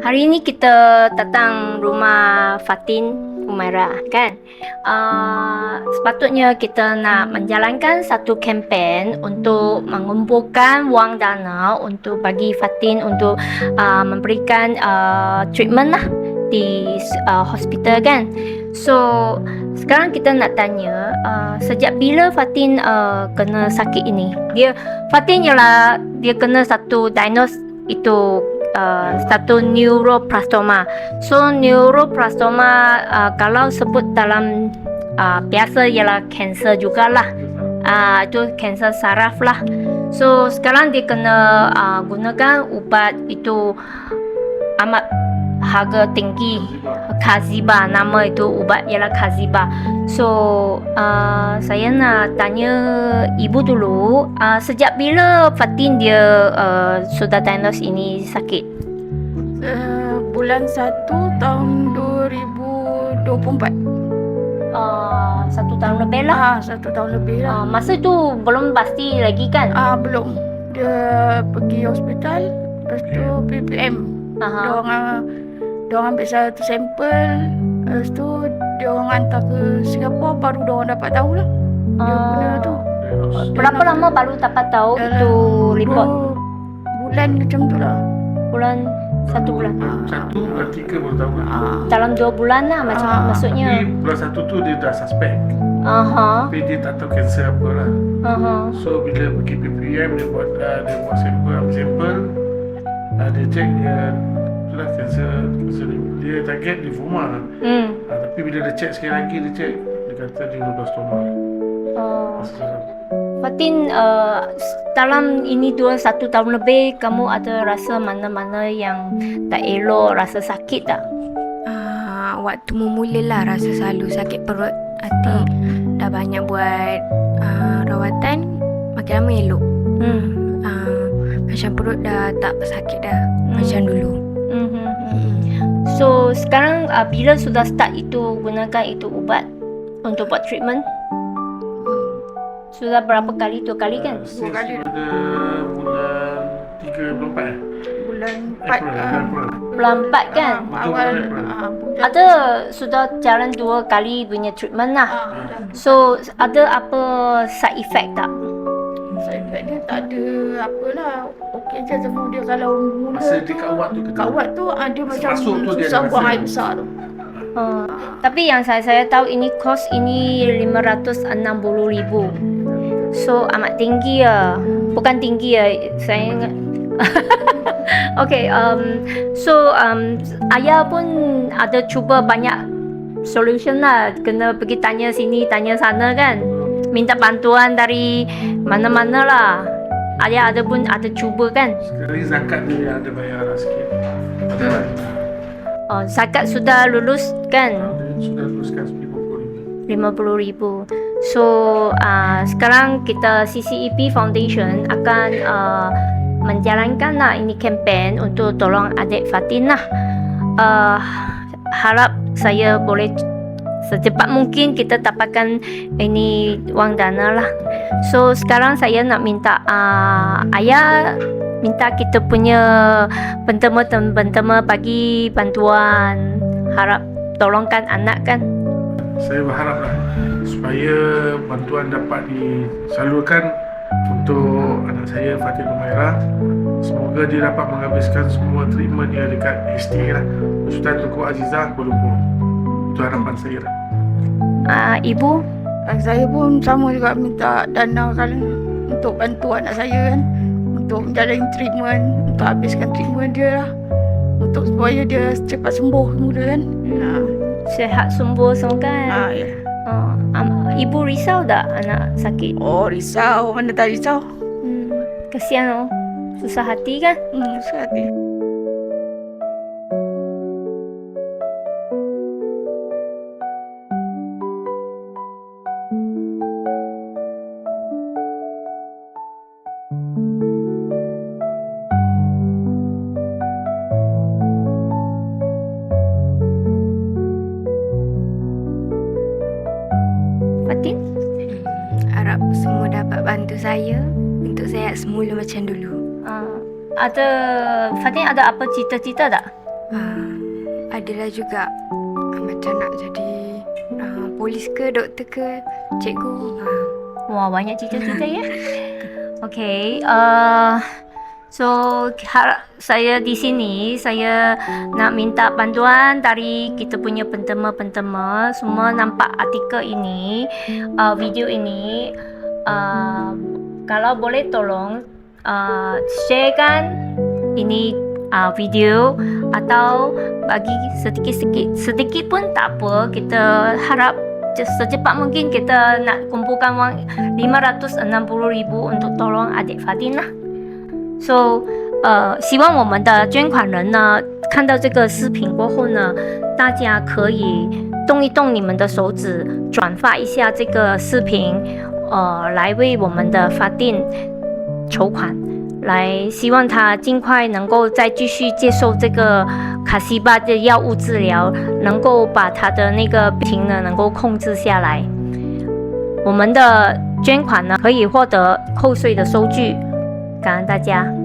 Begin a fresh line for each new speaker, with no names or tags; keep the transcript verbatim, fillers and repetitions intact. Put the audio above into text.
Hari ini kita datang rumah Fatin Umairah kan. Uh, sepatutnya kita nak menjalankan satu kempen untuk mengumpulkan wang dana untuk bagi Fatin untuk uh, memberikan uh, treatment lah di uh, hospital kan. So sekarang kita nak tanya uh, sejak bila Fatin uh, kena sakit ini? Dia Fatin ialah dia kena satu diagnose itu Uh, satu neuroblastoma. So neuroblastoma uh, kalau sebut dalam uh, biasa ialah kanser jugalah. Uh, itu kanser saraf lah. So sekarang dia kena uh, gunakan ubat itu amat harga tinggi, Qarziba, nama itu ubat ialah Qarziba. So uh, saya nak tanya ibu dulu, uh, sejak bila Fatin dia uh, sudah diagnose ini sakit?
Uh, bulan satu tahun dua ribu dua puluh empat.
Uh, satu tahun lebih lah.
Ah, satu tahun lebih lah.
Uh, masa tu belum pasti lagi kan?
Ah, belum. Dia pergi hospital, lepas tu P P M.
Aha.
Dia orang dia orang ambil satu sampel, lepas tu dia orang hantar ke Singapura, baru dia orang dapat tahu lah. Dia
Uh,
kena tu.
berapa lama baru dapat tahu
Dalam
itu report?
dua bulan macam tu lah.
Bulan satu bulan.
Satu bulan tiga baru tahu lah.
Ah.
Dalam dua bulan lah macam
Ah,
maksudnya.
Tapi bulan satu tu dia dah suspect.
Aha.
Tapi dia tak tahu kanser apa lah.
Aha.
So bila pergi P P M dia buat uh, dia buat sampel, ambil sampel, uh, dia check dia itulah kanser, kanser dia target lymphoma.
Hmm.
Uh, tapi bila dia check sekali lagi dia check dia kata dia neuroblastoma.
Oh.
Masalah.
Fatin, uh, dalam ini dua satu tahun lebih, kamu ada rasa mana-mana yang tak elok, rasa sakit tak?
Uh, waktu memulalah rasa selalu sakit perut, hati. Dah banyak buat uh, rawatan, makin lama elok.
Hmm.
Uh, macam perut dah tak sakit dah,
Hmm.
macam dulu.
Mm-hmm. So sekarang uh, bila sudah start itu gunakan itu ubat untuk buat treatment? Sudah berapa kali? Dua kali kan?
Uh,
Dua kali.
Pada bulan tiga bulan empat eh?
Bulan empat.
April,
ah,
April.
Bulan empat kan?
ah, awal ah, bulan.
Ada sudah jalan dua kali punya treatment lah.
Ah, dah.
So ada apa side effect tak?
Saya kat dia tak ada apalah. Okey je, cuma dia kalau mula
Masa
tu
dia kat ubat tu kena.
kat ubat tu ah, dia macam
Masuk tu dia
susah
ada
buang
rasa.
air besar tu.
Uh, tapi yang saya saya tahu ini kos ini lima ratus enam puluh ribu. So amat tinggi ya. Bukan tinggi ya. Saya ingat. Okay, um, so um, ayah pun ada cuba banyak solution lah. Kena pergi tanya sini, tanya sana kan. Minta bantuan dari mana-mana lah. Ayah ada pun ada cuba kan.
Sekali zakat dia ada bayar lah sikit. Ada lah.
Oh, zakat sudah lulus kan?
Dia sudah teruskan lima puluh ribu.
lima puluh ribu. So uh, sekarang kita C C E P Foundation akan uh, menjalankan lah ini kempen untuk tolong adik Fatin lah. Uh, harap saya boleh secepat mungkin kita dapatkan ini wang dana lah. So sekarang saya nak minta uh, ayah minta kita punya bentema-bentema bagi bantuan. Harap tolongkan anak kan.
Saya berharaplah supaya bantuan dapat disalurkan untuk anak saya Fatin Umairah. Semoga dia dapat menghabiskan semua treatment dia dekat H T A lah, Hospital Tunku Azizah, Kuala Lumpur. Itu harapan saya lah.
Uh, ibu
Ah, saya pun sama juga minta dana kan untuk bantu anak saya kan, untuk menjalani treatment, untuk habiskan treatment dia lah, untuk supaya dia cepat sembuh mula kan. Ah,
sihat sembuh semua kan.
ah, ya.
Uh, um, ibu risau tak anak sakit?
Oh risau, mana tak risau.
Hmm, kesian oh. Susah hati kan?
Hmm, sekali.
Fatin?
Hmm, harap semua dapat bantu saya untuk untuk saya semula macam dulu.
Uh, ada Fatin ada apa cita-cita tak?
uh, adalah juga uh, macam nak jadi uh, polis ke, doktor ke, cikgu. Uh.
Wah, banyak cita-cita ya. Okay, uh, so har- saya di sini saya nak minta bantuan dari kita punya pentema-pentema. Semua nampak artikel ini, uh, video ini. Uh, kalau boleh tolong uh, sharekan ini uh, video atau bagi sedikit-sedikit sedikit pun tak apa. Kita harap secepat mungkin kita nak kumpulkan wang lima ratus enam puluh ribu untuk tolong adik Fatin lah. So 呃，希望我们的捐款人呢，看到这个视频过后呢，大家可以动一动你们的手指，转发一下这个视频，呃，来为我们的法定筹款，来希望他尽快能够再继续接受这个卡西巴的药物治疗，能够把他的那个病呢能够控制下来。我们的捐款呢可以获得扣税的收据，感恩大家。